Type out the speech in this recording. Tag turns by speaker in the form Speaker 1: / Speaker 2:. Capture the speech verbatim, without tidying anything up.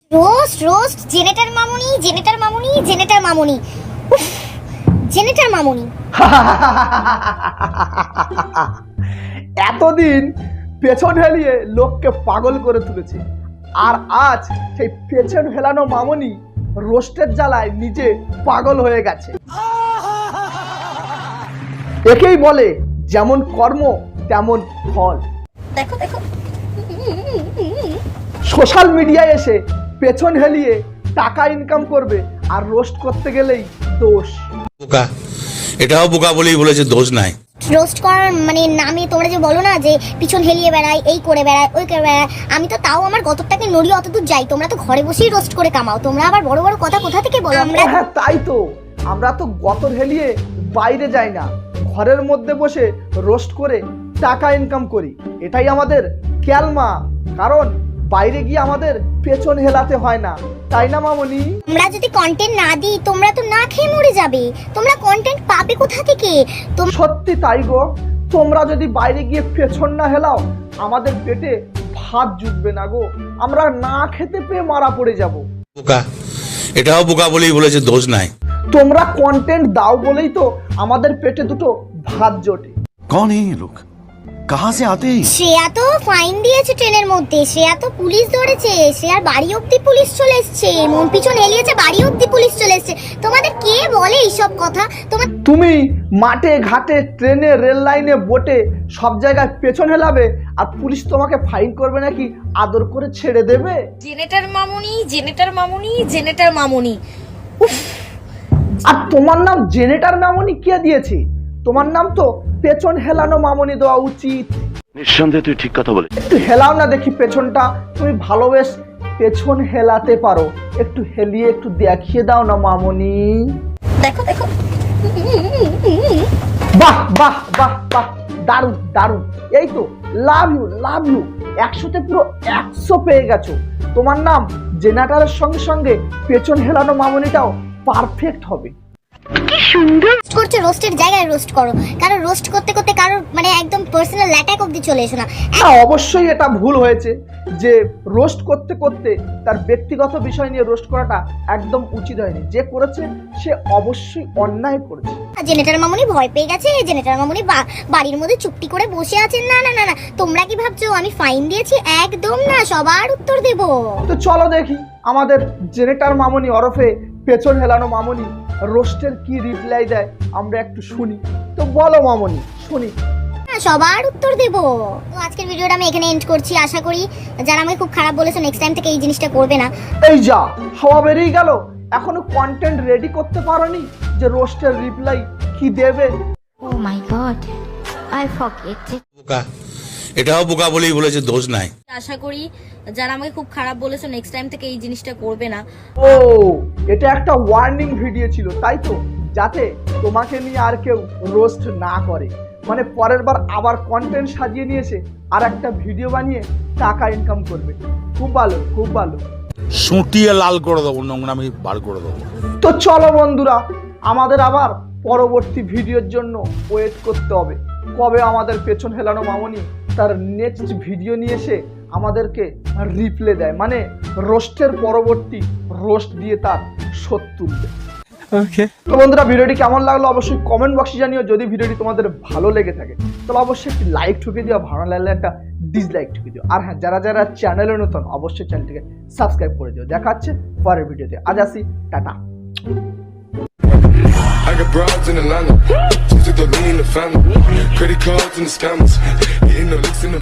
Speaker 1: Roast roast জেনেটার মামুনি জেনেটার মামুনি জেনেটার মামুনি উফ, জেনেটার মামুনি।
Speaker 2: এতদিন পেছন হেলিয়ে লোককে পাগল করে তুলেছে, আর আজ সেই পেছন হেলানো মামনি রোস্টের জ্বালায় নিজে পাগল হয়ে গেছে। একেই বলে যেমন কর্ম তেমন ফল।
Speaker 1: দেখো দেখো
Speaker 2: সোশ্যাল মিডিয়ায় এসে পেছন হেলিয়ে টাকা ইনকাম করবে, আর রোস্ট করতে গেলেই দোষ।
Speaker 3: বোকা, এটাও বোকা বলেই বলেছে, দোষ নাই।
Speaker 1: রোস্ট করার মানে নামে তোমরা যে বলো না যে পিছন হেলিয়ে বেড়ায়, এই করে বেড়ায়, ওই করে বেড়ায়, আমি তো তাও আমার গতরটাকে নড়িয়ে অতদূর যাই। তোমরা তো ঘরে বসেই রোস্ট করে কামাও, তোমরা আবার বড় বড় কথা কোথা থেকে বলো? আমরা
Speaker 2: হ্যাঁ তাই তো, আমরা তো গতর হেলিয়ে বাইরে যাই না, ঘরের মধ্যে বসে রোস্ট করে টাকা ইনকাম করি। এটাই আমাদের ক্যালমা, কারণ বাইরে গিয়ে আমাদের পেছন হেলাতে হয় না, তাই না মামনি?
Speaker 1: আমরা যদি কন্টেন্ট না দিই তোমরা তো না খেয়ে মরে যাবে। তোমরা কন্টেন্ট পাবে কোথা থেকে? তোমরা
Speaker 2: সত্যি তাই গো, তোমরা যদি বাইরে গিয়ে পেছন না হেলাও আমাদের পেটে ভাত জুটবে না গো, আমরা না খেতে পেয়ে মারা পড়ে যাব।
Speaker 3: বোকা, এটাও বোকা বলেই বলেছে, দোষ নাই।
Speaker 2: তোমরা কন্টেন্ট দাও বলেই তো আমাদের পেটে দুটো ভাত জোটে।
Speaker 4: कौन है ये लोग, कहाँ से आते हैं?
Speaker 1: শ্রেয়া তো ফাইন দিয়েছে ট্রেনের মধ্যে, শ্রেয়া তো পুলিশ ধরেছে, শ্রেয়ার বাড়ি অব্দি পুলিশ চলে এসছে, মন পিছন হেলিয়েছে, বাড়ি অব্দি পুলিশ চলে এসছে। তোমাদের কে বলে এইসব কথা? তোমার
Speaker 2: তুমি মাঠে ঘাটে ট্রেনে রেল লাইনে বোটে সব জায়গায় পেছন হেলাবে, আর পুলিশ তোমাকে ফাইন করবে নাকি আদর করে ছেড়ে দেবে?
Speaker 5: জেনেটার মামুনি জেনেটার মামুনি জেনেটার মামুনি উফ,
Speaker 2: আর তোমার নাম জেনেটার মামনি কে দিয়েছে? তোমার নাম তো পেছন হেলানো মামনি দেওয়া উচিত।
Speaker 4: নিঃসন্দেহে তুই ঠিক কথা বলে।
Speaker 2: একটু হেলাও না দেখি পেছনটা, তুমি ভালো বেশ পেছন হেলাতে পারো, একটু হেলিয়ে একটু দেখিয়ে দাও না মামনি।
Speaker 1: দেখো দেখো
Speaker 2: বাহ বাহ বাহ বাহ, দারুণ দারুণ, এই তো লাভ ইউ লাভ ইউ, একশোতে পুরো একশো পেয়ে গেছো। তোমার নাম জেনারেটরের সঙ্গে সঙ্গে পেছন হেলানো মামনিটাও পারফেক্ট হবে।
Speaker 1: রোস্ট করছো, রোস্টের জায়গায় রোস্ট করো, কারণ রোস্ট করতে করতে কারোর মানে একদম পার্সোনাল অ্যাটাক অব্দি চলে এসো না।
Speaker 2: হ্যাঁ অবশ্যই এটা ভুল হয়েছে যে রোস্ট করতে করতে তার ব্যক্তিগত বিষয় নিয়ে রোস্ট করাটা একদম উচিত হয়নি। যে করেছে সে অবশ্যই অন্যায় করেছে।
Speaker 1: জেনেটার মামুনি ভয় পেয়ে গেছে, জেনেটার মামুনি বাড়ির মধ্যে চুপটি করে বসে আছেন। না না না না, তোমরা কি ভাবছো আমি ফাইন দিয়েছি? একদম না, সবার উত্তর দেব।
Speaker 2: তো চলো দেখি আমাদের জেনেটার মামনি ওরফে পেছন হেলানো মামনি রোস্টের কি রিপ্লাই দেয়, আমরা একটু শুনি। তো বলো মামনি, শুনি।
Speaker 1: সবার উত্তর দেব। তো আজকের ভিডিওটা আমি এখানে এন্ড করছি। আশা করি যারা আমাকে খুব খারাপ বলেছো নেক্সট টাইম থেকে এই জিনিসটা করবে না।
Speaker 2: এই যা হাওয়া বেরিয়ে গেল, এখনো কন্টেন্ট রেডি করতে পারোনি যে রোস্টের রিপ্লাই কি দেবে?
Speaker 6: Oh my god, I forget it.
Speaker 3: বোকা, এটাও বোকা বলেই বলেছে, দোষ নাই।
Speaker 5: আশা করি যারা আমাকে খুব খারাপ বলেছো নেক্সট টাইম থেকে এই জিনিসটা করবে না।
Speaker 2: ও এটা একটা ওয়ার্নিং ভিডিও ছিল তাই তো, যাতে তোমাকে নিয়ে আর কেউ রোস্ট না করে, মানে পরের বার আবার কন্টেন্ট সাজিয়ে নিয়েছে আর একটা ভিডিও বানিয়ে টাকা ইনকাম করবে। খুব ভালো খুব ভালো।
Speaker 7: সুটিয়ে লাল করে দেবো, নোংরামি বার করে দেবো।
Speaker 2: তো চলো বন্ধুরা, আমাদের আবার পরবর্তী ভিডিওর জন্য ওয়েট করতে হবে। কবে আমাদের পেছন হেলানো মামনি তার নেক্সট ভিডিও নিয়ে এসে আমাদেরকে রিপ্লে দেয়, মানে রোস্টের পরবর্তী রোস্ট দিয়ে তার শোধ তুলবে। তো বন্ধুরা, ভিডিওটি কেমন লাগলো অবশ্যই কমেন্ট বক্সে জানিও। যদি ভিডিওটি তোমাদের ভালো লেগে থাকে তাহলে অবশ্যই একটি লাইক ঠুকে দিও, ভালো লাগলে একটা ডিসলাইক ঠুকে দিও। আর হ্যাঁ, যারা যারা চ্যানেলে নতুন অবশ্যই চ্যানেলটিকে সাবস্ক্রাইব করে দিও। দেখা হচ্ছে পরের ভিডিওতে। আজ আসি, টাটা।
Speaker 8: I got broads in Atlanta, just to throw me in the family. Credit cards and the scammers, hitting the licks in the